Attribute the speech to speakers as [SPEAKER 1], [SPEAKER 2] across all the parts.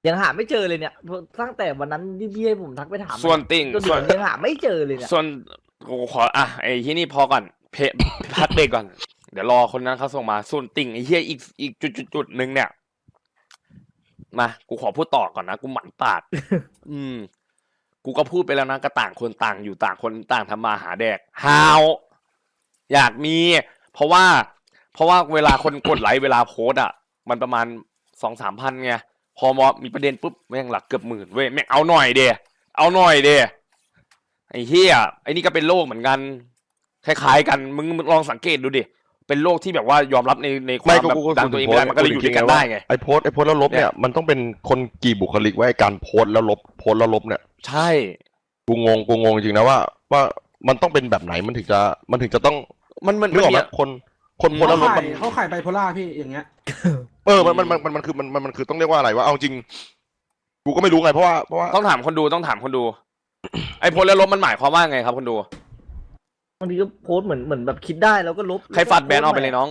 [SPEAKER 1] ยังหาไม่เจอเลยเนี่ยตั้งแต่วันนั้นที่พี่ให้ผมทักไปถาม
[SPEAKER 2] ส่วนติ่ง
[SPEAKER 1] จนถึ
[SPEAKER 2] ส่วน
[SPEAKER 1] งยังหาไม่เจอเลยเนี่ย
[SPEAKER 2] ส่วนกูขอไอ้ที่นี่พอก่อนพักเบรกก่อนเดี๋ยวรอคนนั้นเขาส่งมาส่วนติ่งไอ้เหี้ยอีกจุดหนึ่งเนี่ยมากูขอพูดต่อก่อนนะกูหมั่นปาด กูก็พูดไปแล้วนะก็ต่างคนต่างอยู่ต่างคนต่างทำมาหาแดกฮาวอยากมี เพราะว่าเวลาคนกดไลค์เวลาโพสอ่ะมันประมาณ2-3 พันไงพอมีประเด็นปุ๊บแม่งหลักเกือบหมื่นเว้ยแม่งเอาหน่อยเดเอาหน่อยเดไอ้เหี้ยไอ้นี่ก็เป็นโรคเหมือนกันคล้ายๆกันมึงลองสังเกตดูดิเป็นโรคที่แบบว่ายอมรับในความแบบดังตัวเองไม่ได้มันก็เลยอยู่ด้วยกันได้ไง
[SPEAKER 3] ไอ้โพสแล้วลบเนี่ยมันต้องเป็นคนกี่บุคลิกว่าไอ้การโพสแล้วลบเนี่ย
[SPEAKER 2] ใช่
[SPEAKER 3] กูงงจริงนะว่ามันต้องเป็นแบบไหนมันถึงจะต้อง
[SPEAKER 2] มัน
[SPEAKER 3] นึกออกไหมคนโพสแล้วลบ
[SPEAKER 4] เขาขายไบโพล่าพี่อย่างเงี้ย
[SPEAKER 3] มันคือต้องเรียกว่าอะไรวะเอาจริงกูก็ไม่รู้ไงเพราะว่า
[SPEAKER 2] ต้องถามคนดูไอ้โพสแล้วลบมันหมายความว่าไงครับคนดู
[SPEAKER 1] บางทีก็โพสต์เหมือนแบบคิดได้แล้วก็ลบ
[SPEAKER 2] ใครฟัดแบนออกไปเลยน้อง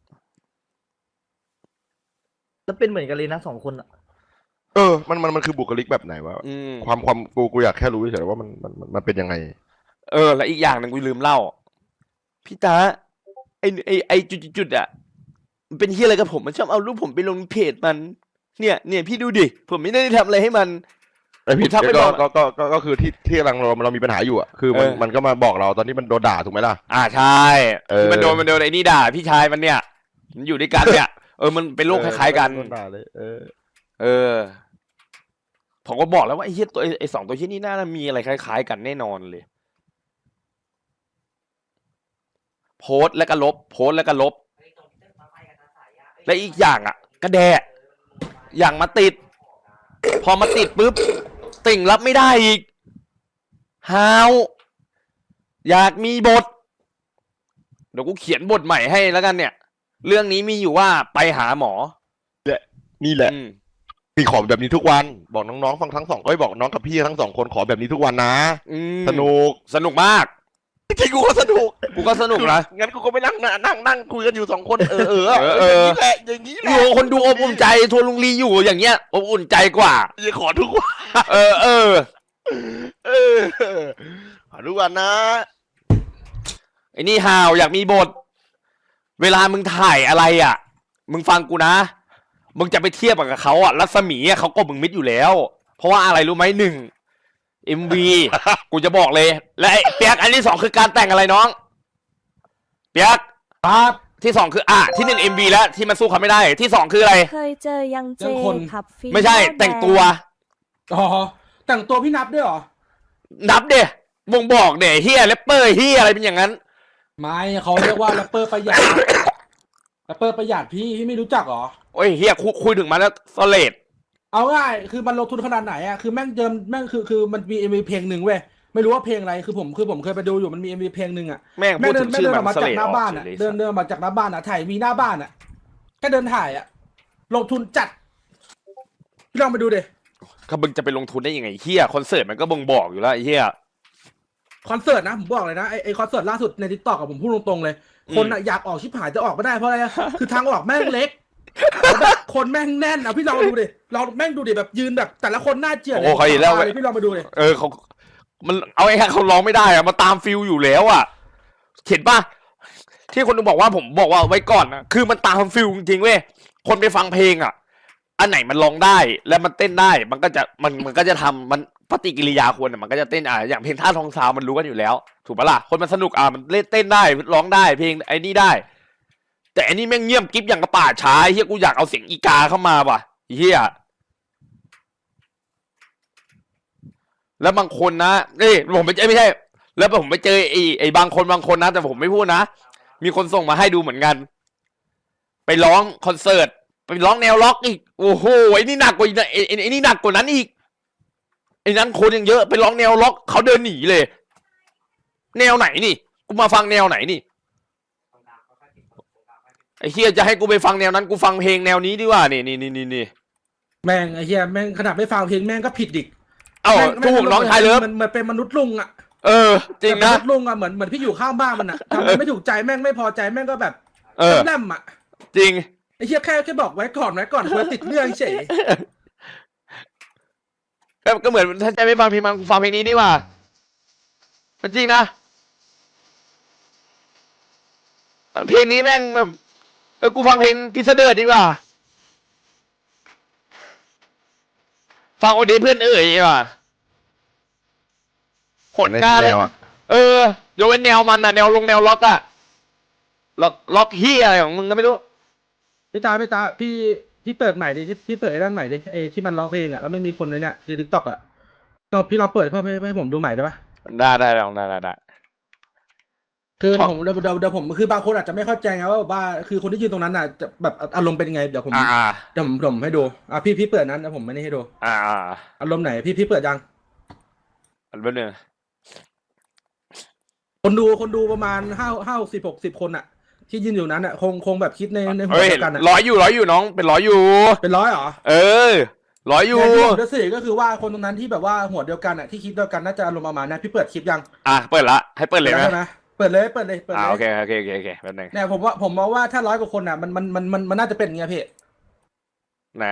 [SPEAKER 1] แล้วเป็นเหมือนกันเลยนะ2 คนอ่ะ
[SPEAKER 3] มันคือบุคลิกแบบไหนวะความกูอยากแค่รู้เฉยๆว่ามันเป็นยังไง
[SPEAKER 2] และอีกอย่างหนึ่งกูลืมเล่าพี่ตาไอจุดอ่ะมันเป็นเฮียอะไรกับผมมันชอบเอารูปผมไปลงเพจมันเนี่ยพี่ดูดิผมไม่ได้ทำอะไรให้มัน
[SPEAKER 3] ไอพี่ทักไปบอกก็คือที่เรามีปัญหาอยู่อ่ะคือมันก็มาบอกเราตอนนี้มันโดนด่าถูกไหมล่ะ
[SPEAKER 2] ใช่มันโดนไอ้นี่ด่าพี่ชายมันเนี่ยมันอยู่ด้วยกันเนี่ยมันเป็นโรคคล้ายๆกัน
[SPEAKER 3] โดนด่าเลย
[SPEAKER 2] ผมก็บอกแล้วว่าไอ้เฮียไอ้2 ตัวเฮียนี่น่าจะมีอะไรคล้ายๆกันแน่นอนเลยโพสแล้วก็ลบและอีกอย่างอ่ะกระแดะอย่างมาติดพอมาติดปุ๊บติ่งรับไม่ได้อีกฮาวอยากมีบทเดี๋ยวกูเขียนบทใหม่ให้แล้วกันเนี่ยเรื่องนี้มีอยู่ว่าไปหาหมอ
[SPEAKER 3] นี่แหละมีขอแบบนี้ทุกวันบอกน้องๆฟังทั้ง2ก็บอกน้องกับพี่ทั้ง2คนขอแบบนี้ทุกวันนะสนุก
[SPEAKER 2] มาก
[SPEAKER 3] ที่กูก็สนุก
[SPEAKER 2] นะ
[SPEAKER 3] งั้นกูก็ไปนั่งคุยกันอยู่2 คนนี่แหละอย่างนี้แหละ
[SPEAKER 2] คนดูอบอุ่นใจทัวลุงลีอยู่อย่างเงี้ยอบอุ่นใจกว่า
[SPEAKER 3] จะขอทุกวันขอทุกวันนะ
[SPEAKER 2] ไอ้นี่ฮาวอยากมีบทเวลามึงถ่ายอะไรอ่ะมึงฟังกูนะมึงจะไปเทียบกับเขาอ่ะรัศมีเขาก็มึงมิดอยู่แล้วเพราะว่าอะไรรู้ไหม1 MV กูจะบอกเลยและเปียกอันที่2คือการแต่งอะไรน้องเปียก
[SPEAKER 4] ครับ
[SPEAKER 2] ที่2คือที่1 MV แล้วที่มันสู้เขาไม่ได้ที่2คืออะไร
[SPEAKER 5] เคยเจอยังเจขับฟิ
[SPEAKER 2] ไม่ใช่แต่งตัว
[SPEAKER 4] แต่งตัวพี่นับด้วยเหรอ
[SPEAKER 2] นับเดะวงบอกเดะเฮียแรปเปอร์เฮียอะไรเป็นอย่างนั้น
[SPEAKER 4] ไม่เขาเรียกว่าแรปเปอร์ประหยัดพี่ไม่รู้จักเหรอ
[SPEAKER 2] โอ้ยเฮียคุยถึงมาแล้วสเลด
[SPEAKER 4] เอาง่ายคือมันลงทุนขนาดไหนอ่ะคือแม่งคือมันมีMVเพลงหนึ่งเว้ยไม่รู้ว่าเพลงอะไรคือผมเคยไปดูอยู่มันมีMVเพลงหนึ่งอ่ะ
[SPEAKER 2] แม่งพูดถึงชื่อมัน
[SPEAKER 4] มาจากหน้าบ้านอ่ะเดินมาจากหน้าบ้านอ่ะถ่ายมีหน้าบ้านอ่ะแค่เดินถ่ายอ่ะลงทุนจัดพี่ลองไปดูดิ
[SPEAKER 2] เขาบึงจะไปลงทุนได้ยังไงเฮียคอนเสิร์ตมันก็บ่งบอกอยู่แล้วไอ้เฮีย
[SPEAKER 4] คอนเสิร์ตนะผมบอกเลยนะไอคอนเสิร์ตล่าสุดใน TikTok กับผมพูดตรงๆเลยคนอ่ะอยากออกชิบหายจะออกไม่ได้เพราะอะไรคือทางออกแม่งเล็กคนแม่งแน่นพี่ลองดูดิเราแม่งดูดิแบบยืนแบบแต่ละคนหน้าเจี๋ย
[SPEAKER 2] โอ้ยแล้ว
[SPEAKER 4] พี่ลองมาดูดิ
[SPEAKER 2] เขามันเอาไอ้เขาร้องไม่ได้อะมาตามฟิลอยู่แล้วอะเห็นป่ะที่คนบอกว่าผมบอกว่าไว้ก่อนนะคือมันตามฟิลจริงๆเว้ยคนไปฟังเพลงอะอันไหนมันร้องได้แล้วมันเต้นได้มันก็จะทำมันปฏิกิริยาคนมันก็จะเต้นอย่างเพลงท่าทองซาวมันรู้กันอยู่แล้วถูกปะล่ะคนมันสนุกมันเล่นเต้นได้ร้องได้เพลงไอ้นี่ได้แต่อันนี้แม่งเงียบกิ๊บอย่างกระป่าช้าเฮียกูอยากเอาเสียงอีกาเข้ามาว่ะเฮียแล้วบางคนนะนี่ผมไม่ใช่แล้วผมไปเจอไอ้บางคนนะแต่ผมไม่พูดนะมีคนส่งมาให้ดูเหมือนกันไปร้องคอนเสิร์ตไปร้องแนวล็อกอีกโอ้โหไอ้นี่หนักกว่าไอ้นี่หนักกว่านั้นอีกไอ้นั้นคนยังเยอะไปร้องแนวล็อกเขาเดินหนีเลยแนวไหนนี่กูมาฟังแนวไหนนี่ไอ้เฮียจะให้กูไปฟังแนวนั้นกูฟังเพลงแนวนี้ดีกว่านี่
[SPEAKER 4] แม่งไอ้เฮียแม่งขนาดไม่ฟังเพลงแม่งก็ผิดดิ
[SPEAKER 2] ถูกน้องชายเลิฟ
[SPEAKER 4] มันเป็นมนุษย์ลุงอ่ะ
[SPEAKER 2] จริงนะ
[SPEAKER 4] มนุษย์ลุงอ่ะเหมือนพี่อยู่ข้างบ้านมันอ่ะทำไม่ถูกใจแม่งไม่พอใจแม่งก็แบบแล่มอ่ะ
[SPEAKER 2] จริง
[SPEAKER 4] ไอ้เฮียแค่บอกไว้ก่อนควรติดเรื่องเฉย
[SPEAKER 2] ก็เหมือนถ้าใจไม่ฟังเพลงมันกูฟังเพลงนี้ดีกว่ามันจริงนะเพลงนี้แม่งแบบกูฟังเพลงพิสเดอร์ดีกว่าฟังโอเดเพื่อนเอ๋ยดีกว่าโหดกล้าเลยยกเว้นแนวมันอะแนวล็อกอะล็อกเฮียอะไรของมึงก็ไม่รู้
[SPEAKER 4] พี่ตาพี่เปิดใหม่ดิพี่เปิดไอ้ด้านใหม่ดิไอ้ที่มันร้องเพลงอ่ะแล้วไม่มีคนเลยเนี่ยคือ TikTok อ่ะก็พี่ลองเปิดเพื่อให้ผมดูใหม่ได้ปะ
[SPEAKER 2] ได้ลองได้
[SPEAKER 4] คือผมเดี๋ยวผมคือบางคนอาจจะไม่เข้าใจไงว่าคือคนที่ยืนตรงนั้นน่ะจะแบบอารมณ์เป็นยังไงเดี๋ยวผมให้ดูพี่เปิดนั้นแล้วผมไม่ได้ให้ดูอารมณ์ไหนพี่เปิดยัง
[SPEAKER 2] อันเป็นเนี่ย
[SPEAKER 4] คนดูประมาณ60 คนอ่ะที่ยืนอยู่นั้นอ่ะคงแบบคิดในหัว
[SPEAKER 2] เดียวกันร้อยอยู่น้องเป็น100อยู่
[SPEAKER 4] เป็น100เหรอ
[SPEAKER 2] 100อยู่
[SPEAKER 4] ที่สื่อก็คือว่าคนตรงนั้นที่แบบว่าหัวเดียวกันอ่ะที่คิดเดียวกันน่าจะอารมณ์ประมาณนั้นพี่เปิดคลิปยัง
[SPEAKER 2] เปิดละให้เปิดเลยไหม
[SPEAKER 4] เปิดเลย
[SPEAKER 2] โอเคแบบนึง
[SPEAKER 4] เนี่ยผมมองว่าถ้า100 กว่าคนอ่ะมันน่าจะเป็นอย่างเงี้ยพี่
[SPEAKER 2] นะ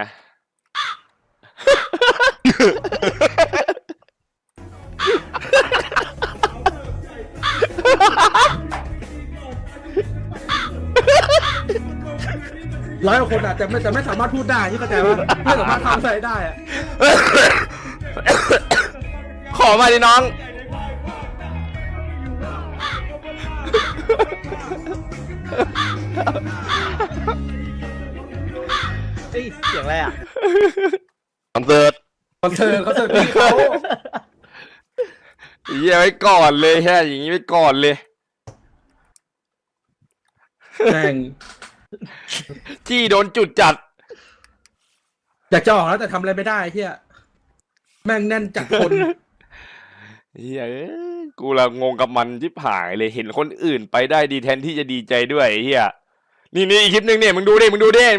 [SPEAKER 4] 100 กว่าคนอ่ะแต่ไม่สามารถพูดได้ที่เข้าใจว่าไม่สามารถทำอะไรได้อ่ะ
[SPEAKER 2] ขอมาดิน้อง
[SPEAKER 1] เสียงอะไรอ่ะ
[SPEAKER 3] คอนเสิร์ต
[SPEAKER 4] พี่เขา
[SPEAKER 2] ไว้ก่อนเลยแค่อย่างนี้ไว้ก่อนเลย
[SPEAKER 4] แม่ง
[SPEAKER 2] จี้โดนจุดจัด
[SPEAKER 4] อยากจะออกแล้วแต่ทำอะไรไม่ได้เฮียแม่งแน่นจัดคน
[SPEAKER 2] กูละงงกับมันชิบหายเลยเห็นคนอื่นไปได้ดีแทนที่จะดีใจด้วยเฮียนี่อีกคลิปนึงเนี่ยมึงดูนี่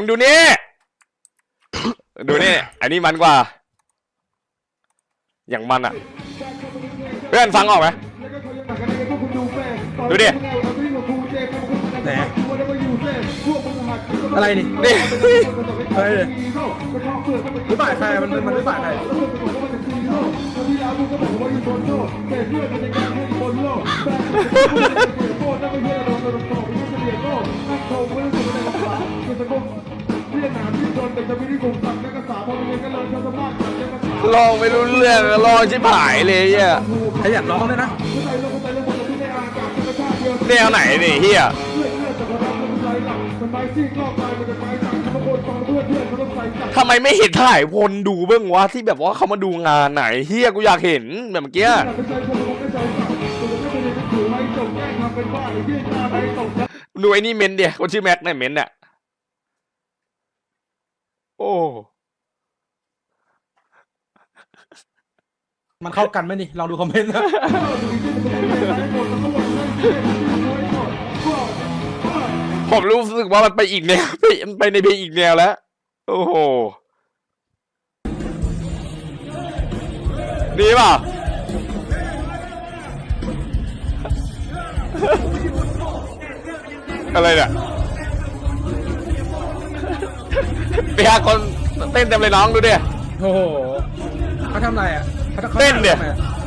[SPEAKER 2] อันนี้มันกว่าอย่างมันอ่ะเพื่อนฟังออกไหมดูดิ
[SPEAKER 4] ไหนอะไรนี่อะไรเลยไม่บ่ายใครมันไม่บ่ายใคร
[SPEAKER 2] ลองไม่รู้เรื่องลองชิบหายเลยเฮีย
[SPEAKER 4] ใครอยากร้องเลยนะ
[SPEAKER 2] แนวไหนนี่เฮียทำไมไม่เห็นถ่ายวนดูเบื้องวะที่แบบว่าเขามาดูงานไหนเฮียกูอยากเห็นแบบเมื่อกี้ดูไอ้นี่เมนเดียคนชื่อแม็กเนี่ยเมนเนี่ยโอ้
[SPEAKER 4] มันเข้ากันไหมนี่ลองดูคอมเมนต์นะ
[SPEAKER 2] ผมรู้สึกว่ามันไปอีกแนวไปในเพลงอีกแนวแล้วโอ้โหดีป่ะอะไรเนี่ยไปหาคนเต้นเต็มเลยน้องดูดิ
[SPEAKER 4] โอ้โหเขาทำอะไรอ่ะ
[SPEAKER 2] เต้นเนี่ย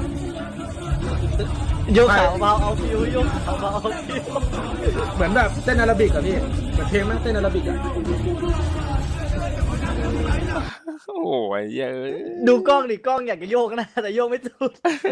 [SPEAKER 1] ยกขาเบาเอาฟิวยกขาเบาเอาฟิว
[SPEAKER 4] เหมือนแบบเต้นอาราบิกอะพี่เหมือนเพลงแม่งเต้นอาราบิกอะ
[SPEAKER 2] โอ้ยเยอะ
[SPEAKER 1] ดูกล้องดิกล้องอยากจะโยกนะแต่โยกไม่ถูก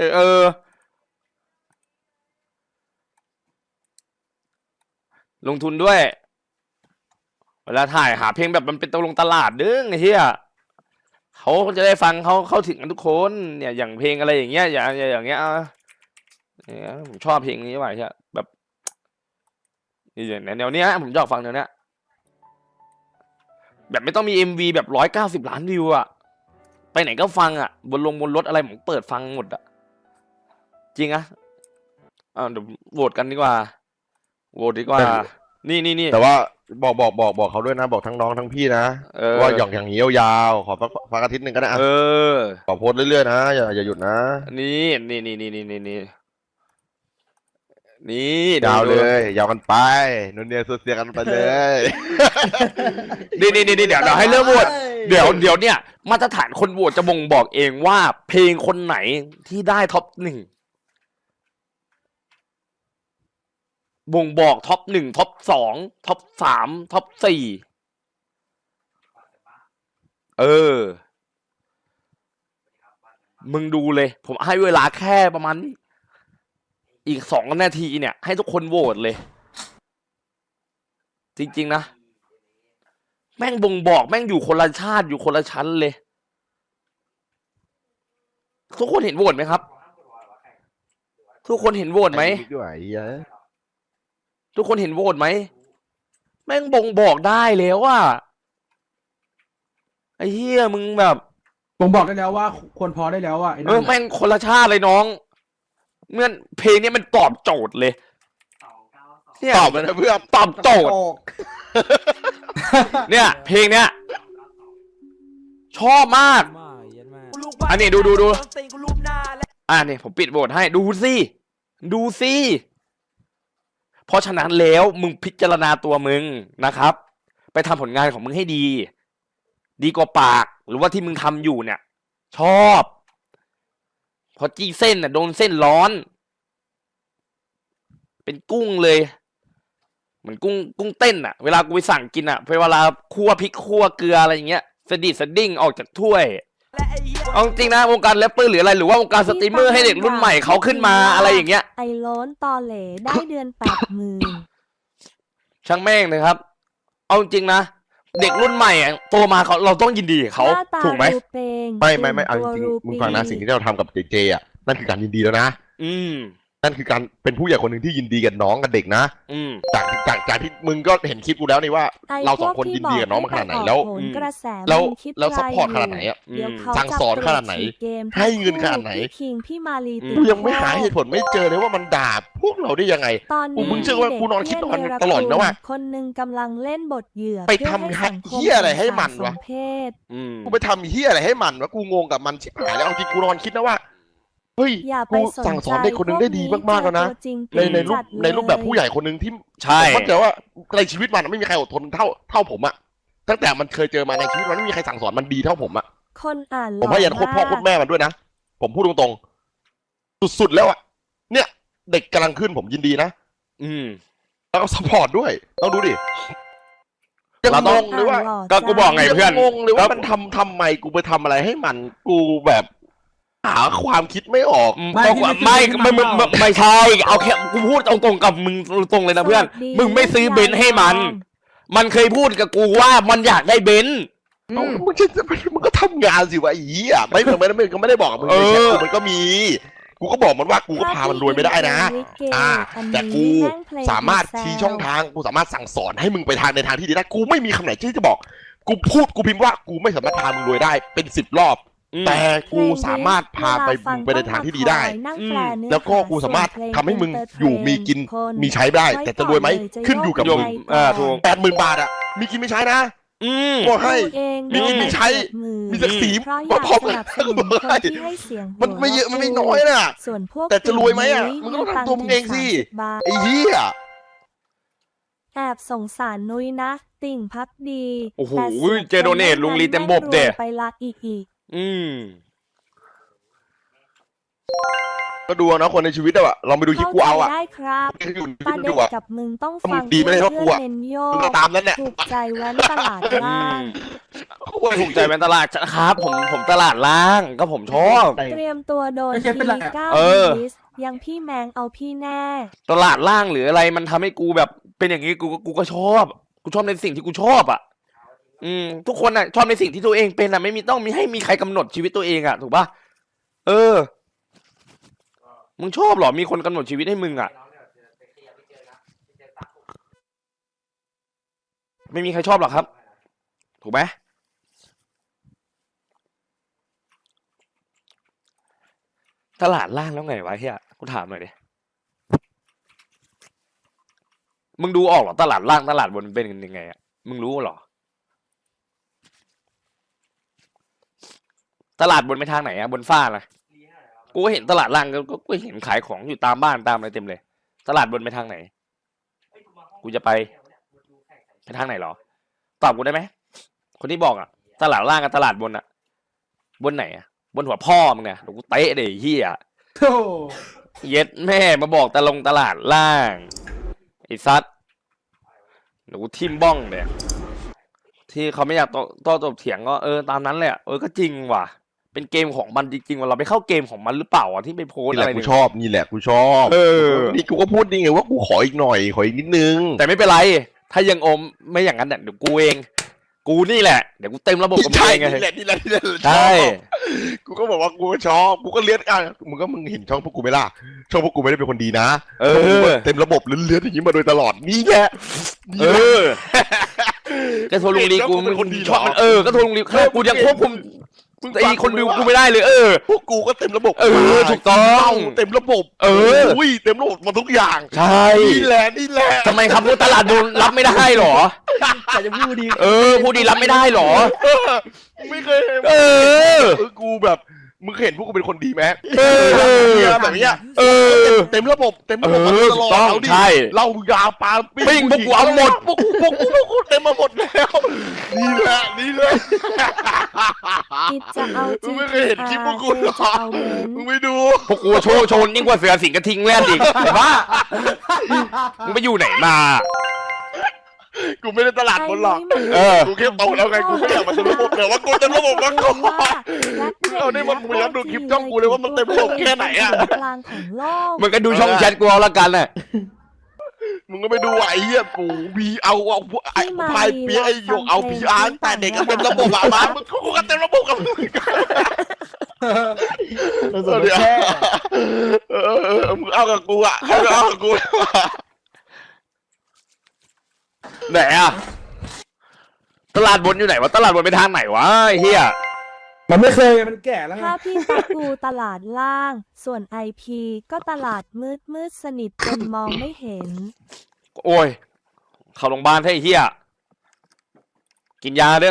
[SPEAKER 2] ลงทุนด้วยเวลาถ่ายหาเพลงแบบมันเป็นตลาดดึงไอ้เหี้ยเขาจะได้ฟังเขาถึงกันทุกคนเนี่ยอย่างเพลงอะไรอย่างเงี้ยอย่างเงี้ยผมชอบเพลงนี้ว่ะใช่แบบแนวเนี้ยผมชอบฟังแนวเนี้ยแบบไม่ต้องมี MV แบบ190 ล้านวิวอะไปไหนก็ฟังอะบนรถอะไรผมเปิดฟังหมดอะจริงอะเดี๋ยวโหวตกันดีกว่านี่
[SPEAKER 3] แต่ว่าบอกเขาด้วยนะบอกทั้งน้องทั้งพี่นะว่าอย่างนี้ยาวๆขอฟังอาทิตย์หนึ่งก็ได้ขอโพสเรื่อยๆนะอย่าหยุดนะ
[SPEAKER 2] นี่นี่ดู
[SPEAKER 3] ยาว
[SPEAKER 2] ดู
[SPEAKER 3] เลยยาวกันไปนนเนียโซเซียกันไปเลย
[SPEAKER 2] นี่เดี๋ยวให้เริ่มโหวตเดี๋ยวเนี่ยมาตรฐานคนโหวตจะบ่งบอกเองว่าเพลงคนไหนที่ได้ท็อปหนึ่งบ่งบอกท็อปหนึ่งท็อปสองท็อปสามท็อปสี่มึงดูเลย ผมให้เวลาแค่ประมาณอีก2 นาทีเนี่ยให้ทุกคนโหวตเลย จริงๆนะแม่งบ่งบอกแม่งอยู่คนละชาติอยู่คนละชั้นเลย ทุกคนเห็นโหวตไหมครับ ทุกคนเห็นโหวตไหม
[SPEAKER 3] ด้วยเยอะ
[SPEAKER 2] ทุกคนเห็นโหวตไหมแม่งบ่งบอกได้แล้วว่าไอ้เหี้ยมึงแบบ
[SPEAKER 4] ผมบอกได้แล้วว่าควรพอได้แล้วว่าไอ้นั่น
[SPEAKER 2] แม่งคนละชาติเลยน้องเมื่อเพลงนี้มันตอบโจทย์เลยเนี่ย
[SPEAKER 3] ตอบเลยนะเพื่อน
[SPEAKER 2] ตอบโจทย์เนี่ย เพลงเนี้ยชอบมาก อันนี้ดูนี่ผมปิดโหวตให้ดูสิเพราะฉะนั้นแล้วมึงพิจารณาตัวมึงนะครับ ไปทำผลงานของมึงให้ดีกว่าปากหรือว่าที่มึงทำอยู่เนี่ย ชอบพอจี้เส้นน่ะโดนเส้นร้อน เป็นกุ้งเลยเหมือนกุ้งเต้นอ่ะเวลากูไปสั่งกินอ่ะเวลาคั่วพริกคั่วเกลืออะไรอย่างเงี้ยสดิ้งออกจากถ้วยเอาจริงนะวงการแรปเปอร์หรืออะไรหรือว่าวงการสตรีมเมอร์ให้เด็กรุ่นใหม่เขาขึ้นมาอะไรอย่างเงี้ย
[SPEAKER 5] ไอโล้นตอเหลได้เดือน80,000
[SPEAKER 2] ช่างแม่งเลยครับ เอาจริงนะเด็กรุ่นใหม่อะโตมาเราต้องยินดีกับเขา
[SPEAKER 5] หน้ต
[SPEAKER 2] ถูกไหม
[SPEAKER 5] รูเปง
[SPEAKER 3] ไม่เอาจริงๆมึงฟังนะสิ่งที่เราทำกับเจอ่ะนั่นคือการยินดีแล้วนะ
[SPEAKER 2] อืม
[SPEAKER 3] นั่นคือการเป็นผู้ใหญ่คนหนึ่งที่ยินดีกับน้องกับเด็กนะ
[SPEAKER 2] อืม
[SPEAKER 3] จากที่มึงก็เห็นคลิปกูแล้วนี่ว่า เราสองคนยินดีกับน้องมาขนาดไหนแล้ว
[SPEAKER 5] โหนกระแส
[SPEAKER 3] แล้ว
[SPEAKER 5] มึงคิด
[SPEAKER 3] แล้ว
[SPEAKER 5] ไร
[SPEAKER 3] ซัพพอร์ต
[SPEAKER 5] ยู่
[SPEAKER 3] ขนาดไหนอะ
[SPEAKER 5] เดี๋ยวเขา
[SPEAKER 3] สั่งสอนขนาดไหน
[SPEAKER 5] จะตรวจฉี่เกม
[SPEAKER 3] ให้เงินขนาดไหน
[SPEAKER 5] พี่คิงพี่มาลีติด
[SPEAKER 3] กูยังไม่หาเหตุผลไม่เจอเลยว่ามันด่าพวกเราได้ยังไง
[SPEAKER 5] ตอน
[SPEAKER 3] กู
[SPEAKER 5] นี้
[SPEAKER 3] มึงเชื่อว่ากูนอนคิดนอนตลอดนะว่า
[SPEAKER 5] คนหนึ่งกำลังเล่นบทเหยื่อ
[SPEAKER 3] ไป
[SPEAKER 5] เพื่อ
[SPEAKER 3] ทำ
[SPEAKER 5] ให้สังคม
[SPEAKER 3] เหี้ยอะไรให้มันวะ
[SPEAKER 5] สมเพศ
[SPEAKER 2] อืม
[SPEAKER 3] กูไปทำเฮียอะไรให้มันวะกูงงกับมันชิบหายแล้วเอาจริงกูนอนคิดนะว่าเฮ้ย
[SPEAKER 5] อย่าไป
[SPEAKER 3] กู
[SPEAKER 5] สน
[SPEAKER 3] สั่งส
[SPEAKER 5] ใจ
[SPEAKER 3] อนเด็กคนหนึงได้ดีมากๆแล้วนะ
[SPEAKER 5] พกจริง
[SPEAKER 3] ในรูปแบบผู้ใหญ่คนหนึ่งที่
[SPEAKER 2] ใช่
[SPEAKER 3] ผมเข้าใจว่าในชีวิตมันไม่มีใครอดทนเท่าผมอะตั้งแต่มันเคยเจอมาในชีวิตมันไม่มีใครสั่งสอนมันดีเท่าผมอะ
[SPEAKER 5] คนอ่าน
[SPEAKER 3] ผมพยายามโคตรพ่อโคตรแม่มันด้วยนะผมพูดตรงๆสุดๆแล้วอะเนี่ยเด็กกำลังขึ้นผมยินดีนะ
[SPEAKER 2] อืม
[SPEAKER 3] แล้วก็สปอร์ตด้วยต้องดูดิยัง
[SPEAKER 2] เรา
[SPEAKER 3] ง
[SPEAKER 2] ต้อง
[SPEAKER 3] งเลยว่า
[SPEAKER 2] ก็กูบอกไง เพื่อน
[SPEAKER 3] ยังงงเลยว่ามันทำไมกูไปทำอะไรให้มันกูแบบหาความคิดไม่ออก
[SPEAKER 2] ไม่ใช่ เอาแค่กูพูดตรงๆกับมึงตรงเลยนะเพื่อน มึงไม่ซื้อเบนซ์ให้มัน มันเคยพูดกับกูว่ามันอยากได้เบนซ์
[SPEAKER 3] มันก็ทำงานสิวะไอ้เหี้ยไม่ได้บอกกับมึง
[SPEAKER 2] เออ
[SPEAKER 3] ในแชทกูมันก็มี กูก็บอกมันว่ากูก็พามันรวยไม่ได้นะแต่กูสามารถชี้ช่องทางกูสามารถสั่งสอนให้มึงไปในทางที่ดีได้กูไม่มีคำไหนที่จะบอก กูพิมพ์ว่ากูไม่สามารถพามึงรวยได้เป็น10 รอบ แต่กูสามารถพาไปมึงไปในทางที่ดีได้ แล้วก็กูสามารถทำให้มึงอยู่มีกินมีใช้ได้ แต่จะรวยไหมขึ้นอยู่กับมึง
[SPEAKER 2] ถูก
[SPEAKER 3] 80,000 บาทอะมีกินมีใช้นะ
[SPEAKER 2] อืม
[SPEAKER 3] บอกให้ มีกินมีใช้ มีศักดิ์ศรี
[SPEAKER 5] มาพร้อม
[SPEAKER 3] มา
[SPEAKER 5] กับ
[SPEAKER 3] พร้อมกัน มันไม่เยอะมันไม่น้อยน่ะ
[SPEAKER 5] ส่วนพวก
[SPEAKER 3] แต่จะรวยไหมอะมึงก็ต้องทำตัวมึงเองสิ
[SPEAKER 5] บาท
[SPEAKER 3] ไอ้เหี้ย
[SPEAKER 5] แอบสงสารนุ้ยนะ ติ่งพักดี
[SPEAKER 2] โอ้โห
[SPEAKER 5] แต่สีย
[SPEAKER 2] เจโดเนทลุงลีเต็มบบเด้
[SPEAKER 5] ไปละอีก
[SPEAKER 2] อืม
[SPEAKER 3] ก็ดูนะคนในชีวิตอะลองไปดูคลิปกูเอาอะ
[SPEAKER 5] ได้ครับ
[SPEAKER 3] อยู่
[SPEAKER 5] ประ
[SPEAKER 3] ดู
[SPEAKER 5] เด็น
[SPEAKER 3] อะ
[SPEAKER 5] กับมึงต้อง
[SPEAKER 3] มึ
[SPEAKER 5] ฟั
[SPEAKER 3] ง
[SPEAKER 5] ง
[SPEAKER 3] ดีไม่ได้เท่ากูอะ
[SPEAKER 5] เน้นโย
[SPEAKER 3] มึง
[SPEAKER 5] ก
[SPEAKER 3] ก็ตามนั้นแหละ
[SPEAKER 5] ถูกใจแว้นตลาดล่าง
[SPEAKER 2] ถูกใจเป็นตลาดครับ ผมตลาดล่างก็ผมชอบ
[SPEAKER 5] เตรียมตัวโดน
[SPEAKER 4] ไม่ใช่เป็นไร
[SPEAKER 5] ที
[SPEAKER 4] อะ
[SPEAKER 5] เก้า
[SPEAKER 2] เออ
[SPEAKER 5] ลิสยังพี่แมงเอาพี่แน่
[SPEAKER 2] ตลาดล่างหรืออะไรมันทำให้กูแบบเป็นอย่างนี้กูก็ชอบ กูชอบในสิ่งที่กูชอบอ่ะ ทุกคนอ่ะชอบในสิ่งที่ตัวเองเป็นอ่ะไม่มีต้องมีให้มีใครกำหนดชีวิตตัวเองอ่ะถูกป่ะเออ มึงชอบเหรอมีคนกำหนดชีวิตให้มึงอ่ะ ไม่มีใครชอบหรอกครับ ถูกไหมตลาดล่างแล้วไงวะเฮียกูถามหน่อยดิมึงดูออกเหรอตลาดล่างตลาดบนเป็นยังไงอ่ะมึงรู้เหรอตลาดบนไปทางไหนอ่ะบนฟ้าล่ะกูก็เห็นตลาดล่างก็เห็นขายของอยู่ตามบ้านตามอะไรเต็มเลยตลาดบนไปทางไหน กูจะไปทางไหนเหรอ ตอบกูได้ไหม คนที่บอกอ่ะ ตลาดล่างกับตลาดบนอ่ะ บนไหนอ่ะ บนหัวพ่อมึงเนี่ยเดี๋ยวกูเตะเดี๋ยวเฮีย
[SPEAKER 4] โธ่
[SPEAKER 2] เย็ดแม่มาบอกตลาดล่างไอ้ซัดเดี๋ยวกูทิมบ้องเดี๋ยที่เขาไม่อยากโต้ตบเถียงก็ตามนั้นแหละก็จริงว่ะ เป็นเกมของมันจริงๆว่าเราไปเข้าเกมของมันหรือเปล่าอ่ะที่ไปโพส
[SPEAKER 3] นี่
[SPEAKER 2] อะ
[SPEAKER 3] แห
[SPEAKER 2] ไร
[SPEAKER 3] ละกู
[SPEAKER 2] เนี่ย
[SPEAKER 3] ชอบนี่แหละกูชอบ นี่กูก็พูดนี่ไงว่ากูขออีกหน่อยขออีกนิดนึง
[SPEAKER 2] แต่ไม่เป็นไร ถ้ายังอมไม่อย่างนั้นเนี่ยเดี๋ยวกูเอง กูนี่แหละเดี๋ยวกูเต็มระบบกับมึง
[SPEAKER 3] ใช่
[SPEAKER 2] เองไง
[SPEAKER 3] นี่แหละนี่แหละนี่แหละ
[SPEAKER 2] ใช่
[SPEAKER 3] กูก็บอกว่ากูชอบกูก็เลื่อนมึงเห็นช่องพวกกูไหมล่ะช่องพวกกูไม่ได้เป็นคนดีนะ เต็มระบบเลื่อนอย่างนี้มาโดยตลอดนี่แหละ
[SPEAKER 2] ก็โทรลุงลีกู
[SPEAKER 3] เป็นคนดี
[SPEAKER 2] ชอบมันก็โทรลุงลีกูยังควบคุม ไอ้คนดูกูไม่ได้เลย
[SPEAKER 3] พวกกูก็เต็มระบบ
[SPEAKER 2] ถูกต้อง
[SPEAKER 3] เต็มระบบอุ้ยเต็มระบบมาทุกอย่าง
[SPEAKER 2] ใช่
[SPEAKER 3] นี่แหละนี่แหละ
[SPEAKER 2] ทำไมครับตลาดโดนรับไม่ได้หรอ
[SPEAKER 1] แต่จะพูดดี
[SPEAKER 2] ผู้ดีรับไม่ได้หรอ
[SPEAKER 3] ไม่เคย กูแบบมึงเห็นพวกกูเป็นคนดีไหม แบบนี้เต็มระบบมาตลอด
[SPEAKER 2] ต้อง
[SPEAKER 3] เอาดิ
[SPEAKER 2] ใช่
[SPEAKER 3] เหล้ายาปลา
[SPEAKER 2] ปิ้งพวกกูเอาหมด
[SPEAKER 3] พวกกูเต็มมาหมดแล้วนี่แหละนี่เลย
[SPEAKER 5] อิดจะเอา
[SPEAKER 3] มึงไม่เคยเห็นคลิปพวกกูหรอ
[SPEAKER 5] จะเอาเบน
[SPEAKER 3] มึงไม่ดู
[SPEAKER 2] พวกกูโชนยิ่งกว่าเสือสิงกระทิงแล่นอีกแต่ว่ามึงไปอยู่ไหนมา
[SPEAKER 3] กูไม่ได้ตลาดบนหรอกกูแค่โตแล้วไงกูไม่อยากมาเต็มระบบแต่ว่ากูเต็มระบบมาก่อนเอาได้มันกูย้อนดูคลิปช่องกูเลยว่ามันเต็มระบบแค่ไหนอ่ะ
[SPEAKER 5] กลางของโลก
[SPEAKER 2] มึงก็ดูช่องแชทกูเอาละกันน่ะ
[SPEAKER 3] มึงก็ไปดูไอ้เหี้ยกูบีเอาไอ้พายเปียไอ้หยกเอาพีอาร์แต่เด็กก็เต็มระบบอะมามึงกูก็เต็มระบบกับมึง
[SPEAKER 1] เราสนแค่
[SPEAKER 3] มึงเอากับกูอะเอากับกู
[SPEAKER 2] ไหนอะตลาดบนอยู่ไหนวะตลาดบนไปทางไหนวะไอ้เฮีย
[SPEAKER 4] มันไม่เคยมันแก่แล้วไง
[SPEAKER 5] ถ้าพี่ตะกูตลาดล่าง ส่วนไอพีก็ตลาดมืดสนิทจนมองไม่เห็น
[SPEAKER 2] โอ้ยเข้าโรงพยาบาลให้ไอ้เฮียกินยาเรื่อง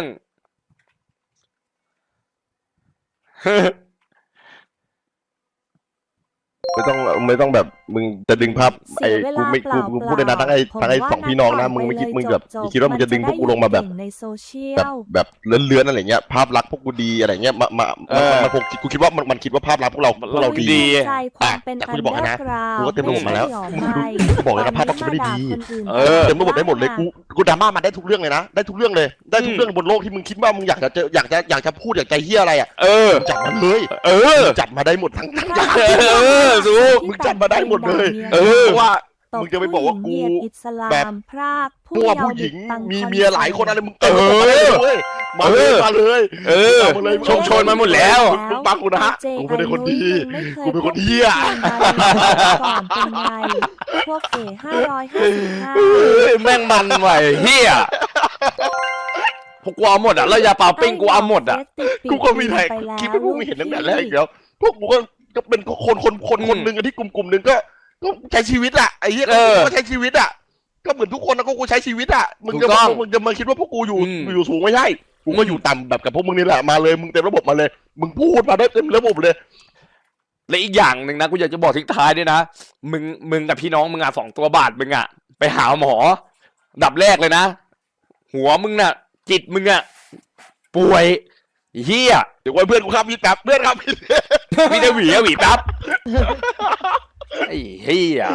[SPEAKER 3] ไม่ต้องแบบมึงจะดึงภาพไอ้กูไม่กูพูดเลยนะทั้งไอ้สองพี่น้องนะมึงไม่คิดมึงแบบคิดว่ามึงจะดึงพวกกูลงมาแบบ
[SPEAKER 5] ในโซเชียล
[SPEAKER 3] แบบเลื้อนอะไรเงี้ยภาพลักษณ์พวกกูดีอะไรเงี้ยมันคงกูคิดว่ามันคิดว่าภาพลักษณ์พวกเราดี
[SPEAKER 5] ใจความเป็น
[SPEAKER 3] แต่กูจะบอกให้นะ
[SPEAKER 5] อันเดอร์กราวด์
[SPEAKER 3] กูก็เต็มระบบมาแล้ว
[SPEAKER 5] ไม่ใช่หรอ
[SPEAKER 3] กูบอกเลยนะภาพลักษณ์กูไม่ได้ดี
[SPEAKER 5] คนอื่น
[SPEAKER 3] เต็มระบบได้หมดเลยกูดราม่ามาได้ทุกเรื่องเลยนะได้ทุกเรื่องเลยได้ทุกเรื่องบนโลกที่มึงคิดว่ามึงอยากจะพูดอยากจะเฮี้ยอะไรอ่ะจัดมาเลยจัดมาได้หมดทั้งอย่าง มึงจำมาได้หมดเลย เพราะว่ามึงจะไปบอกว่ากูแบบ
[SPEAKER 5] พราก
[SPEAKER 3] พวกผู้หญิง
[SPEAKER 5] ตัง
[SPEAKER 3] มีเมียหลายคนอะไรมึงเต็มระบบมาเลยมาเลยมาเลย
[SPEAKER 2] ชนมาหมดแล้ว
[SPEAKER 3] มึงบังกูนะกูไม่ได้คนดีกูเป็นคนเหี้ย
[SPEAKER 5] ก่อนเป็นไงพวกเอ๋555
[SPEAKER 2] แม่งมันไหวเฮียพวกกูเอาหมดอ่ะแล้วยาเปล่าปิ้งกูเอาหมดอ่ะ
[SPEAKER 3] กูก็มีไทยคิดว่าพวกมึงเห็นตั้งแต่แรกแล้วพวกกูก็เป็นคนหนึ่งที่กลุ่มหนึ่งก็ใช้ชีวิตอะไอ้เหี้ยก็ใช้ชีวิตอะก็เหมือนทุกคนนะก็กูใช้ชีวิตอะมึงจะมาคิดว่าพวกกูอยู่สูงไม่ใช่กูก็อยู่ต่ำแบบกับพวกมึงนี่แหละมาเลยมึงเต็มระบบมาเลยมึงพูดมาได้เต็มระบบเลย
[SPEAKER 2] และอีกอย่างหนึ่งนะกูอยากจะบอกทิ้งท้ายด้วยนะมึงกับพี่น้องมึงอ่ะ2 ตัวบาทมึงอ่ะไปหาหมอดับแรกเลยนะหัวมึงน่ะจิตมึงอ่ะป่วยเฮีย
[SPEAKER 3] เดี๋ยวไว้เพื่อนกูครับพี่แป๊บเพื่อนครับพี่
[SPEAKER 2] มีแต่หวีแป๊บไอ้เฮีย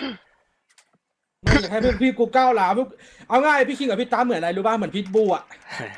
[SPEAKER 4] ให้พี่กูก้าวหลามเอาง่ายพี่คิงกับพี่ตาเหมือนอะไรรู้ป่ะเหมือนพิทบูอ่ะ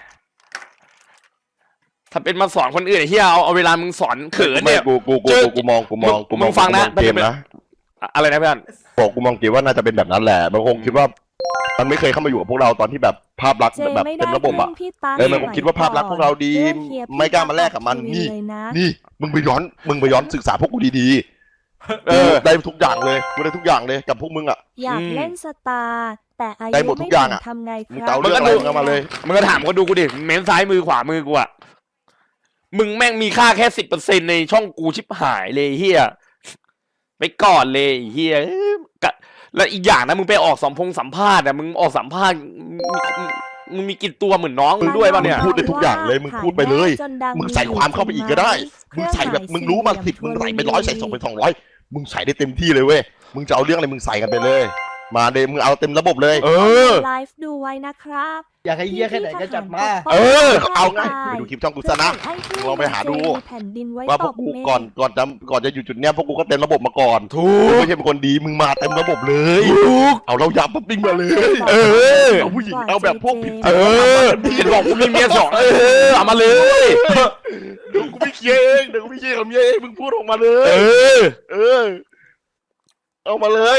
[SPEAKER 2] ถ้าเป็นมาสอนคนอื่นไอ้เฮียเอาเวลามึงสอนเขินเนี่ย
[SPEAKER 3] กูมอง
[SPEAKER 2] มึงฟังนะ
[SPEAKER 3] เกมนะ
[SPEAKER 2] อะไรนะเพื่อน
[SPEAKER 3] บอกกูมองเกมว่าน่าจะเป็นแบบนั้นแหละมันคงคิดว่ามันไม่เคยเข้ามาอยู่กับพวกเราตอนที่แบบภาพลักษณ์แบบเต็มระบบอ่ะมันคงคิดว่าภาพลักษณ์พวกเราดีไม่กล้ามาแลกกับมันนี่มึงไปย้อนศึกษาพวกกูดีๆได้ทุกอย่างเลยกูได้ทุกอย่างเลยกับพวกมึงอ่ะ
[SPEAKER 5] อยากเล่นสตาร์แต่อา
[SPEAKER 3] ได้
[SPEAKER 5] ยุ
[SPEAKER 3] หมดทุ
[SPEAKER 5] ไม่
[SPEAKER 3] กอย่าง
[SPEAKER 5] ถึ
[SPEAKER 3] อะ
[SPEAKER 5] งทำไงค
[SPEAKER 3] มึง
[SPEAKER 5] รั
[SPEAKER 3] เตา
[SPEAKER 5] บ
[SPEAKER 3] เรื่องอะไรมึงเอามาเลย
[SPEAKER 2] มึงก็ถามเขาดูกูดิเม้นซ้ายมือขวามือกูอ่ะมึงแม่งมีค่าแค่10%ในช่องกูชิบหายเลยเฮียไปก่อนเลยเฮียแล้วอีกอย่างนะมึงไปออกสัมภาษณ์อ่ะมึงออกสัมภาษณ์มึงมีกี่ตัวเหมือนน้องมึงด้วยป่ะเนี่ย
[SPEAKER 3] มึงพูดได้ทุกอย่างเลยมึงพูดไปเลยมึงใส่ความเข้าไปอีกก็ได้มึงใส่แบบมึงรู้มา10มึงใส่ไป100ใส่2ไป200มึงใส่ได้เต็มที่เลยเว้ยมึงจะเอาเรื่องอะไรมึงใส่กันไปเลย มาเลยมึงเอาเต็มระบบเลย
[SPEAKER 2] เออ
[SPEAKER 5] ไลฟ์ดูไว้นะครับ
[SPEAKER 1] อยากให้เยี่ยแค่ไหนก็จัดมา
[SPEAKER 2] เออ
[SPEAKER 3] เอาไงไปดูคลิปช่องกูซะนะ ลองไปหาดู
[SPEAKER 5] แผ่นดินไว้
[SPEAKER 3] ว่าพ
[SPEAKER 5] ต
[SPEAKER 3] วก
[SPEAKER 5] บ
[SPEAKER 3] กู
[SPEAKER 5] เมฆ
[SPEAKER 3] ก่อนจะอยู่จุดเนี้ยพวกกูก็เต็มระบบมาก่อน
[SPEAKER 2] ถูก
[SPEAKER 3] มึงไม่ใช่เป็นคนดีมึงมาเต็มระบบเลย
[SPEAKER 2] ถูก
[SPEAKER 3] เอาเรายับปั๊บปิ้งมาเลย
[SPEAKER 2] เออ
[SPEAKER 3] เอาผู้หญิงเอาแบบพวกผิด
[SPEAKER 2] เออพี่บอกกูมีเมียสองเออเอามาเลย
[SPEAKER 3] เดี๋ยวกูไม่เคลียร์เองเดี๋ยวกูไม่เคลียร์กับเมียเองมึงพูดออกมาเล
[SPEAKER 2] เอย อ
[SPEAKER 3] เออ เอามาเลย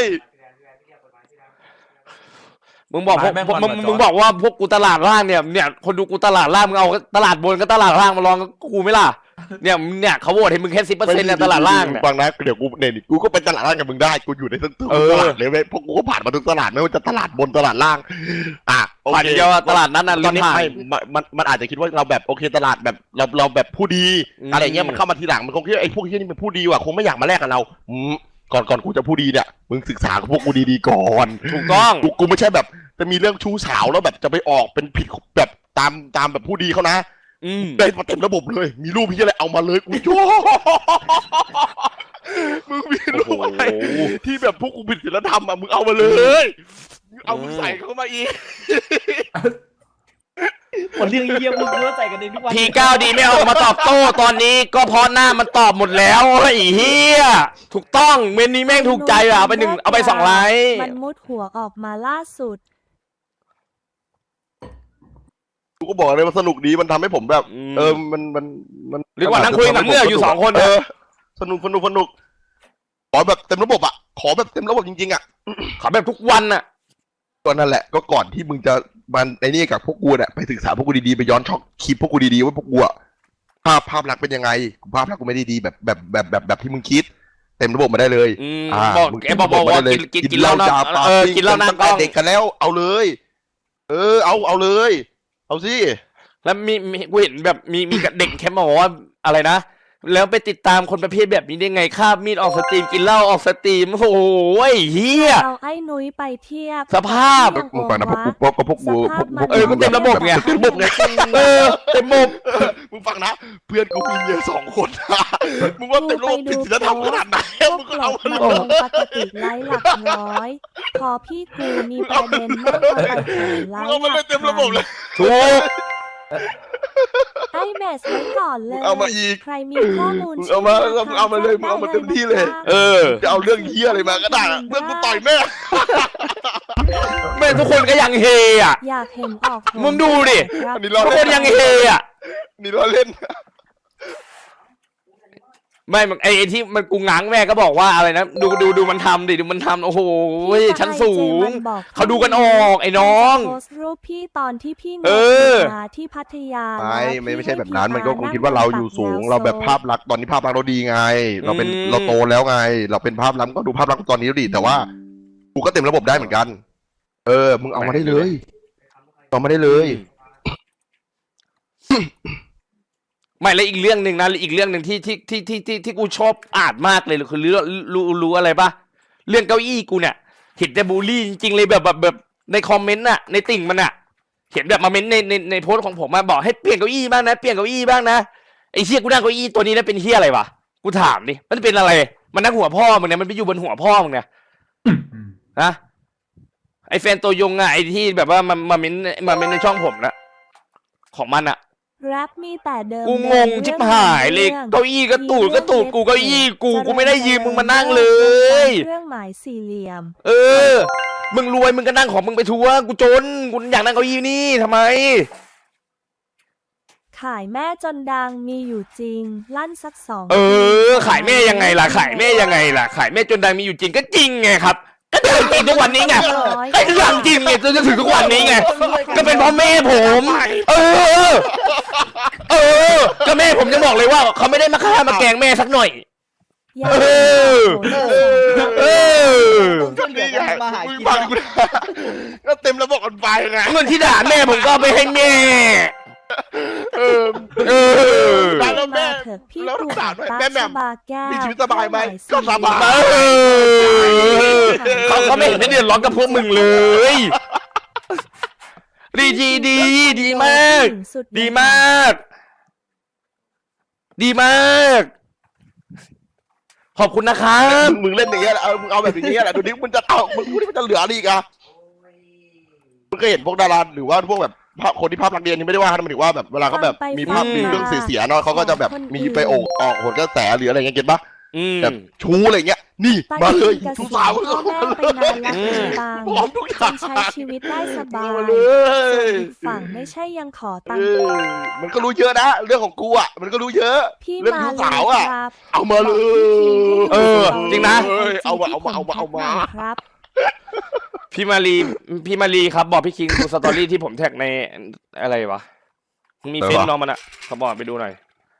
[SPEAKER 2] มึงบอกพวก
[SPEAKER 6] แม่ง
[SPEAKER 2] พวก
[SPEAKER 6] มัน
[SPEAKER 2] มึง
[SPEAKER 6] มาจอด
[SPEAKER 2] บอกว่าพวกกูตลาดล่างเนี่ยคนดูกูตลาดล่างมึงเอาตลาดบนกับตลาดล่างมาลองกับกูไหมล่ะเนี่ยเขาโหวตให้มึงแค่10%เนี่ยตลาดล่างเนี่ย
[SPEAKER 3] ฟังนะเดี๋ยวกูเนี่ยกูก็เป็นตลาดล่างกับมึงได้กูอยู่ในทั้งตัว
[SPEAKER 2] เออ
[SPEAKER 3] ตลาดเลยเว้ยเพราะกูก็ผ่านมาทุกตลาดไม่ว่าจะตลาดบนตลาดล่างอ่ะโอ
[SPEAKER 2] ผ่าน
[SPEAKER 3] เค
[SPEAKER 2] เดียวอะตลาดนั้นน่ะ
[SPEAKER 3] ต
[SPEAKER 2] ลิ้
[SPEAKER 3] อน
[SPEAKER 2] น
[SPEAKER 3] นี้
[SPEAKER 2] ผ่าน
[SPEAKER 3] ไม่มันอาจจะคิดว่าเราแบบโอเคตลาดแบบเราแบบผู้ดี
[SPEAKER 2] อืม
[SPEAKER 3] อะไรเงี้ยมันเข้ามาทีหลังมันคงคิดว่าไอ้พวกที่นี่เป็นผู้ดีว่ะคงไม่อยากมาแลกกับเราก่อนกูจะผู้ดีเนี่ยมึงศึกษากับพวกกูดีๆก่อน
[SPEAKER 2] ถูกต้อง
[SPEAKER 3] กูไม่ใช่แบบจะมีเรื่องชู้สาวแล้วแบบจะไปออกเป็นผิดแบบตามแบบผู้ดีเขานะ
[SPEAKER 2] อืม
[SPEAKER 3] ได้มาเต็มระบบเลย มีรูปพี่อะไรเอามาเลยกูโจ้มึงมีรูปอะไรที่แบบพวกกูผิดศีลธรรมอ่ะมึงเอามาเลยเอามึงใส่เข้ามาอีก
[SPEAKER 1] หมดเรื่องเยี่ยมมึงก็ใส่กันเองทุกวัน
[SPEAKER 2] ที9ดีไม่ออกมาตอบโต้ตอนนี้ก็เพราะหน้ามันตอบหมดแล้วไอ้เหี้ยถูกต้องเมนนี้แม่งถูกใจอ่ะเอาไป1เอาไป2ไลค์
[SPEAKER 5] มันมุดหัวออกมาล่าสุด
[SPEAKER 3] กูก็บอกเลยว่าสนุกดีมันทำให้ผมแบบ มัน
[SPEAKER 2] หรือว่านั่งคุยกับเมื่ออยู่2 คน
[SPEAKER 3] เอ
[SPEAKER 2] เอ
[SPEAKER 3] อ
[SPEAKER 2] อ
[SPEAKER 3] สนุกขอแบบเต็มระบบอ่ะขอแบบเต็มระบบจริงๆอ่ะ
[SPEAKER 2] ขอแบบทุกวันอ่ะ
[SPEAKER 3] ก็นั่นแหละก็ก่อนที่มึงจะมันไอ้นี่กับพวกกูเนี่ยไปศึกษาพวกกูดีๆไปย้อนช็อกคลิปพวกกูดีๆว่าพวกกูอะภาพลักษณ์เป็นยังไงภาพลักษณ์กูไม่ได้ดีแบบที่มึงคิด เต็มระบบมาได้เลย
[SPEAKER 2] บอก
[SPEAKER 3] มึง
[SPEAKER 2] แกบอกว่ากินเหล้านะ
[SPEAKER 3] จ่าปา
[SPEAKER 2] เออ
[SPEAKER 3] ปิ้ง
[SPEAKER 2] กินเหล้านะ
[SPEAKER 3] ตั้งแต่เด็กกันแล้วเอาเลย เอาเลย เอาสิ
[SPEAKER 2] แล้วมีกูเห็นแบบมีเด็กแคมป์บอกว่าอะไรนะแล้วไปติดตามคนประเภทแบบนี้ได้ไงคาบมีดออกสตรีมกินเหล้าออกสตรีมโอ้โหเฮีย
[SPEAKER 5] เอาไอ้นุ้ยไปเทียบ
[SPEAKER 2] สภาพ
[SPEAKER 3] มึงฟังนะพวกกู
[SPEAKER 2] มันเต็มระบบไง
[SPEAKER 3] เต็มระบบไง
[SPEAKER 2] เออเต็มมุม
[SPEAKER 3] มึงฟังนะเพื่อนกูมีเมีย2 คนนะมึงว่าเต็มระบบผิดศีลธรรมขนาดไหน
[SPEAKER 5] พว
[SPEAKER 3] มึ
[SPEAKER 5] ก
[SPEAKER 3] งก็
[SPEAKER 5] หล
[SPEAKER 3] เอา
[SPEAKER 5] บ
[SPEAKER 3] มา
[SPEAKER 5] มา
[SPEAKER 3] เล
[SPEAKER 5] ล
[SPEAKER 3] ย
[SPEAKER 5] งปกติไลค์หลักร้อย พอพี่กูมีประเด็นแม่งเอาไปแข่งไล
[SPEAKER 3] มึง
[SPEAKER 5] ค์
[SPEAKER 3] เอามาเลยเต็มระบบเลย
[SPEAKER 2] ถูก
[SPEAKER 5] ไอ้แมสไว้ก่อนเลย
[SPEAKER 3] มึงเอามาอีก
[SPEAKER 5] ใครมีข้อมูล
[SPEAKER 3] มึงเอามามึงเอามาเลยมึงเอามาเต็มที่เลย
[SPEAKER 2] เออ
[SPEAKER 3] จะเอาเรื่องเฮียอะไรมาก็ได้อะเพื่อนกูต่อยแม่
[SPEAKER 2] แม่ทุกคนก็ยังเฮอ่ะ
[SPEAKER 5] อยากเห็นออก
[SPEAKER 2] มึงดูดิ
[SPEAKER 5] ครับ
[SPEAKER 3] อันนี้เรา
[SPEAKER 2] ทุกคนยังเฮอ่ะ
[SPEAKER 3] นี่เราเล่น
[SPEAKER 2] ไม่มันไอ้ที่มันกูง้างแม่ก็บอกว่าอะไรนะดูมันทำดิดูมันทำโอ้โหชั้นสูง เขาดูกันออกไอ้น้อง
[SPEAKER 5] โพสต์รูปพี่ตอนที่พี่
[SPEAKER 2] เออ
[SPEAKER 5] มาที่พัทยา
[SPEAKER 3] ไม่ใช่แบบนั้นมันก็คงคิดว่าเราอยู่สูง เราแบบภาพลักษณ์ตอนนี้ภาพลักษณ์เราดีไง เราโตแล้วไง เราเป็นภาพลักษณ์ก็ดูภาพลักษณ์ตอนนี้ดีแต่ว่ากูก็เต็มระบบได้เหมือนกัน มึงเอามาได้เลยเอามาได้เลย
[SPEAKER 2] ไม่แล้วอีกเรื่องหนึ่งนะอีกเรื่องหนึ่งที่กูชอบอ่านมากเลยคือรู้อะไรปะเรื่องเก้าอี้กูเนี่ยเห็นแต่บูลลี่จริงๆเลยแบบในคอมเมนต์น่ะในติ่งมันน่ะเห็นแบบมาเม้นในโพสต์ของผมมาบอกให้เปลี่ยนเก้าอี้บ้างนะเปลี่ยนเก้าอี้บ้างนะไอ้เชี่ยกูนั่งเก้าอี้ตัวนี้นะเป็นเชี่ยอะไรวะกูถามดิมันเป็นอะไรมันนั่งหัวพ่อมึงเนี่ยมันไปอยู่บนหัวพ่อมึงเนี่ยนะไอ้แฟนตัวยงอะไอ้ที่แบบว่ามาเม้นในช่องผมนะของมันอะ
[SPEAKER 5] แรปมีแต่เดิม
[SPEAKER 2] กูงงชิบหายเลยเก้าอี้ก็ตูดกูเก้าอี้กูไม่ได้ยืมมึงมานั่งเลย
[SPEAKER 5] เครื่องหมายสี่เหลี่ยม
[SPEAKER 2] เออมึงรวยมึงก็นั่งของมึงไปทัวร์กูจนกูอยากนั่งเก้าอี้นี่ทำไม
[SPEAKER 5] ขายแม่จนดังมีอยู่จริง ลั่นสัก2
[SPEAKER 2] เออขายแม่ยังไงล่ะขายแม่ยังไงล่ะขายแม่จนดังมีอยู่จริงก็จริงไงครับก็เดินจริงทุกวันนี้ไงก็เรื่องจริงไงจนถึงทุกวันนี้ไงก็เป็นเพราะแม่ผม ก็แม่ผมจะบอกเลยว่าเขาไม่ได้มาฆ่ามาแกล้งแม่สักหน่อย
[SPEAKER 5] อย่า
[SPEAKER 2] เออ
[SPEAKER 1] ต้องช่วยเหลือกันทำมาหา
[SPEAKER 3] มึง
[SPEAKER 1] กิน
[SPEAKER 3] ฟังกูนะก็เต็มระบบกันไปไง
[SPEAKER 2] เงินที่ด่าแม่ผมก็เอาไปให้แม่
[SPEAKER 3] เออ
[SPEAKER 5] ได้
[SPEAKER 3] แล้วแม่
[SPEAKER 5] เถอะพี่
[SPEAKER 3] แล้ว
[SPEAKER 5] ตู่
[SPEAKER 3] ถามหน่อย
[SPEAKER 5] ตา
[SPEAKER 3] แม่แหม่ม
[SPEAKER 5] บาแก้ว
[SPEAKER 3] มีชีวิตสบายไหม
[SPEAKER 5] เครื่อง
[SPEAKER 3] ก็สบาย
[SPEAKER 2] เขาไม่เห็นได้เดือดร้อนกับพวกมึงเลย ดีมาก ดีมาก ดีมากขอบคุณนะครับ
[SPEAKER 3] มึงเล่นอย่างเงี้ยแหละมึงเอาแบบอย่างเงี้ยแหละดูดิมึงจะเอามึงพูดที่มันจะเหลืออะไรอีกอะมึงก็เห็นพวกดาราหรือว่าพวกแบบคนที่ภาพลักษณ์เรียนนี่ไม่ได้ว่านะหมายถึงว่าแบบเวลาเขาแบบมีภาพมีเรื่องเสียๆเนาะเขาก็จะแบบมีไปออกโหนกระแสหรืออะไรเงี้ยเก็ตปะ แบบชูอะไรเงี้ยนี่มาเลยชูสาว
[SPEAKER 5] พ่อแม่ไปนานและตัง
[SPEAKER 3] พร้อมทุกอย่าง
[SPEAKER 5] ใช้ชีวิตได้สบาย
[SPEAKER 3] มาเล
[SPEAKER 5] ส่วน
[SPEAKER 3] ย
[SPEAKER 5] อีกฝั่งไม่ใช่ยังขอตัง
[SPEAKER 3] เอ
[SPEAKER 5] ค์
[SPEAKER 3] อมันก็รู้เยอะนะเรื่องของกูอ่ะมันก็รู้เยอะ
[SPEAKER 5] พี่
[SPEAKER 3] เรื่อง
[SPEAKER 5] มา
[SPEAKER 3] ชู
[SPEAKER 5] เล
[SPEAKER 3] สาวย
[SPEAKER 5] ค
[SPEAKER 3] อ่ะ
[SPEAKER 5] รับ
[SPEAKER 3] เอามาเลย
[SPEAKER 2] เออจริงนะ
[SPEAKER 3] เอามา
[SPEAKER 5] ครับ
[SPEAKER 2] พี่มารีครับบอกพี่คิงดูสตอรี่ที่ผมแท็กในอะไรวะมีเฟซน้องมันอะเขาบอกไปดูหน่อย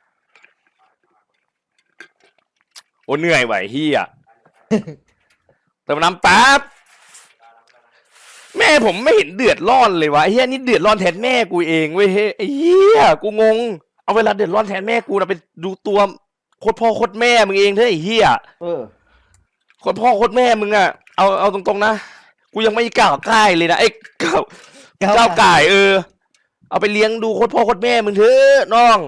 [SPEAKER 2] โอ้เหนื่อยไหวเฮียเติมน้ำแป๊บแม่ผมไม่เห็นเดือดร้อนเลยวะไอ้เฮียนี่เดือดร้อนแทนแม่กูเองเว้ยเฮ้ยไอ้เฮียกูงงเอาเวลาเดือดร้อนแทนแม่กูนะไปดูตัวโคตรพ่อโคตรแม่มึงเองเถอะไอ้เฮีย โคตรพ่อโคตรแม่มึงอะเอาตรงๆนะกูยังไม่ก้าวก่ายเลยนะไอ้ก้าวก่ายเอาไปเลี้ยงดูโคตรพ่อโคตรแม่มึงเถอะน้อง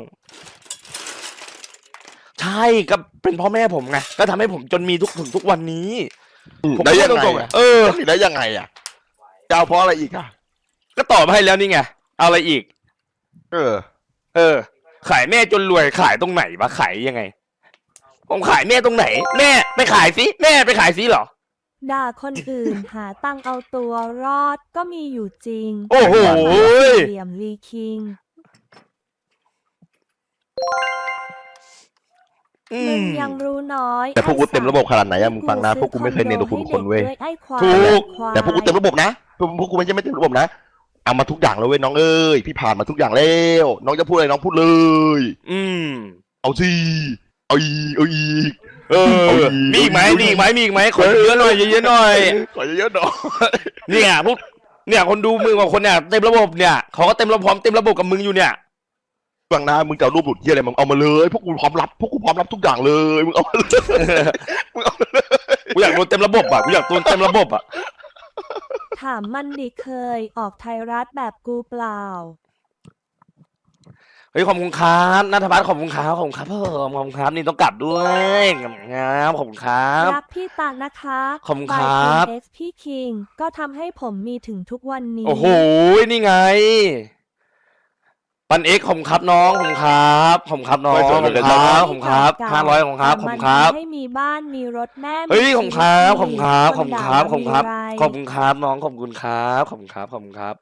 [SPEAKER 2] ใช่ก็เป็นพ่อแม่ผมไงก็ทำให้ผมจนมีทุกวันนี้ผม
[SPEAKER 3] ได้ยังไง
[SPEAKER 2] ตรงๆ
[SPEAKER 3] อะ
[SPEAKER 2] อะ
[SPEAKER 3] ได้ยังไงอ่ะจะเอาเพราะอะไรอีกอ่ะ
[SPEAKER 2] ก็ตอบมาให้แล้วนี่ไงเอาอะไรอีก
[SPEAKER 3] เออ
[SPEAKER 2] ขายแม่จนรวยขายตรงไหนวะขายยังไงผมขายแม่ตรงไหน แม่ไปขายสิแม่ไปขายสิเหรอ
[SPEAKER 5] ด่าคนอื่นหาตังค์เอาตัวรอดก็มีอยู่จริง
[SPEAKER 2] โอ้โห
[SPEAKER 5] เหลี่ยมลีคิง
[SPEAKER 2] อื
[SPEAKER 5] มึง
[SPEAKER 2] ม
[SPEAKER 5] ยังรู้น้อย
[SPEAKER 3] แต่พวกกูเต็มระบบขนาดไหนอะมึงฟังนะพวกกูไม่เคยเน้นตัวคุณคนเว้ย
[SPEAKER 5] ไอ้ควาย
[SPEAKER 2] ถูก
[SPEAKER 5] ควาย
[SPEAKER 3] แต่พวกกูเต็มระบบนะพวกกูไม่ใช่ไม่เต็มระบบนะเอามาทุกอย่างแล้วเว้ยน้องเอ้ยพี่ผ่านมาทุกอย่างแล้วน้องจะพูดอะไรน้องพูดเลย
[SPEAKER 2] อืม
[SPEAKER 3] เอาสิเอาอีกเอาอีก
[SPEAKER 2] มีอีกไหมขอเยอะๆหน่อยเยอะๆหน่อย
[SPEAKER 3] ขอเยอะๆหน่อย
[SPEAKER 2] เนี่ยพวกเนี่ยคนดูมึงกับคนเนี่ยเต็มระบบเนี่ยเขาก็เต็มระบบเต็มระบบกับมึงอยู่เนี่ย
[SPEAKER 3] ฟังนะมึงจะเอารูปหลุดที่อะไรมึงเอามาเลยพวกกูพร้อมรับทุกอย่างเลยมึงเอามาเลยมึงเอามาเลย
[SPEAKER 2] กูอยากโดนเต็มระบบอ่ะกูอยากโดนเต็มระบบอ่ะ
[SPEAKER 5] ถามมันดิเคยออกไทยรัฐแบบกูเปล่า
[SPEAKER 2] เฮ้ยขอบคุณครับนัทพัฒน์ขอบคุณครับผมขอบคุณครับนี่ต้องกลับด้วยครับขอบคุณครับ
[SPEAKER 5] รักพี่ตานะคะ
[SPEAKER 2] ขอบคุณครับ
[SPEAKER 5] by NX พี่คิงก็ทำให้ผมมีถึงทุกวันนี้
[SPEAKER 2] โอ้โหนี่ไงปันเอ็กขอบคุณครับน้องขอบคุณครับขอบคุณครับน้องขอบคุณครับขอบคุณครับ500ขอบคุณครับขอบคุณครับ
[SPEAKER 5] ให้มีบ้านมีรถแม่
[SPEAKER 2] เฮ้ยขอบคุณครับขอบ
[SPEAKER 5] มี
[SPEAKER 2] คุณครับข
[SPEAKER 5] ค
[SPEAKER 2] อบ
[SPEAKER 5] น
[SPEAKER 2] คุณ
[SPEAKER 5] ด่า
[SPEAKER 2] ครับขอบคุณครับ
[SPEAKER 5] มีไร
[SPEAKER 2] ขอบคุณครับน้องขอบคุณครับขอบคุณครับขอบคุณครับ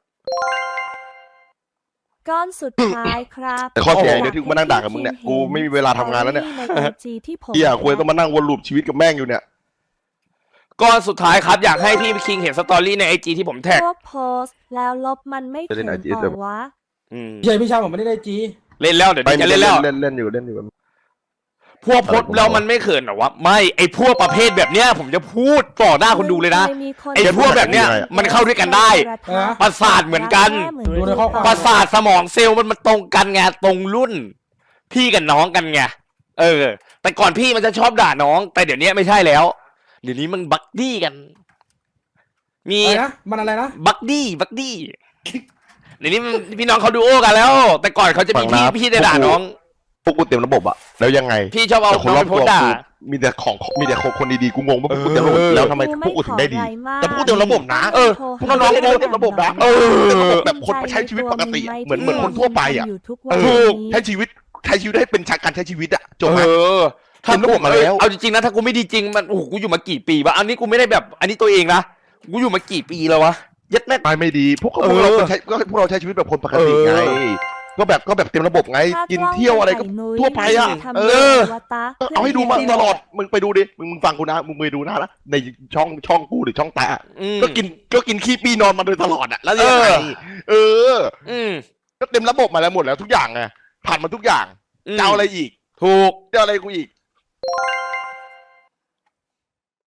[SPEAKER 5] ก้อนสุดท้ายครับ
[SPEAKER 3] แต่ข้อเสียเดี๋ยวที่กูมานั่งด่ากับมึงเนี่ยกูไม่มีเวลาทำงานแล้วเนี่ย
[SPEAKER 5] ใน IG ที่ผม
[SPEAKER 3] เฮียควรต้องมานั่งวนลูปชีวิตกับแม่งอยู่เนี่ย
[SPEAKER 2] ก้อนสุดท้ายครับอยากให้พี่คิงเห็นสตอรี่ในไอจีที่ผมแท็ก
[SPEAKER 5] พวกโพสต์แล้วลบมันไม่
[SPEAKER 3] จะเล่
[SPEAKER 5] เขิ
[SPEAKER 3] น
[SPEAKER 5] น
[SPEAKER 3] IG
[SPEAKER 5] ต่อวะ
[SPEAKER 2] อืม
[SPEAKER 4] พี่ชายพี่ชายผมไม่ได้จี
[SPEAKER 2] เล่นแล้วเดี๋ยวนี้จะเล่นแล้ว
[SPEAKER 3] เล่นอยู่
[SPEAKER 2] พวกโพสต์แล้วมันไม่เขินเหรอวะไม่ไอพวกประเภทแบบเนี้ยผมจะพูดต่อหน้าคนดูเลยนะ ไอ้พวกแบบเนี้ยมันเข้าด้วยกันได้ ประสาทเหมือนกัน
[SPEAKER 4] ดูในข้อความ
[SPEAKER 2] ประสาทสมองเซลล์มันตรงกันไงตรงรุ่น พี่กับน้องกันไงแต่ก่อนพี่มันจะชอบด่าน้อง แต่เดี๋ยวนี้ไม่ใช่แล้ว เดี๋ยวนี้มันบักดี้กัน มี
[SPEAKER 4] อะไรนะมันอะไรนะ
[SPEAKER 2] บักดี้เดี๋ยวนี้มันพี่น้องเขาดูโอกันแล้ว แต่ก่อนเขาจะมีพี่จะด่าน้อง
[SPEAKER 3] พวกกูเต็มระบบอะแล้วยังไง
[SPEAKER 2] พี่ชอบเอา
[SPEAKER 3] แต่คน
[SPEAKER 2] น้อง
[SPEAKER 3] รอ
[SPEAKER 2] ไป
[SPEAKER 3] บ
[SPEAKER 2] โพ
[SPEAKER 3] ตั
[SPEAKER 2] ส
[SPEAKER 3] ว
[SPEAKER 2] ต์ด่า
[SPEAKER 3] กูมีแต่คนดีๆกูงงว่าพวกกูเต็มระบบแล้วทำไมพวกกูถึงได้ดี แต่พวกกูเต็มระบบนะ พวกน้องๆเต็มระบบนะแบบคนใช้ชีวิตปกติอะเหมือนคนทั่วไปอะ
[SPEAKER 2] ถูก
[SPEAKER 3] ใช้ชีวิตให้เป็นการใช้ชีวิตอะจบไหม
[SPEAKER 2] ถ้า
[SPEAKER 3] เต็มระบบมาแล้ว
[SPEAKER 2] เอาจริงๆนะถ้ากูไม่ดีจริงมันโอ้โหกูอยู่มากี่ปีวะอันนี้กูไม่ได้แบบ อันนี้ตัวเองนะกูอยู่มากี่ปีแล้ววะยัดแม่
[SPEAKER 3] ไม่ดีพวกเราพวกเราใช้ชีวิตแบบคนปกติไงก็แบบเต็มระบบไงกินเที่ยวอะไรก็ทั่วไปอะเอาให้ดูมาตลอดมึงไปดูดิมึงฟังกูนะมึงไปดูนะในช่องกูหรือช่องตาก็กินขี้ปีนอนมาโดยตลอดอะแล้วยังไงก็เต็มระบบมาแล้วหมดแล้วทุกอย่างไงผ่านมาทุกอย่างจะเอาอะไรอีก
[SPEAKER 2] ถูก
[SPEAKER 3] จะอะไรกูอีก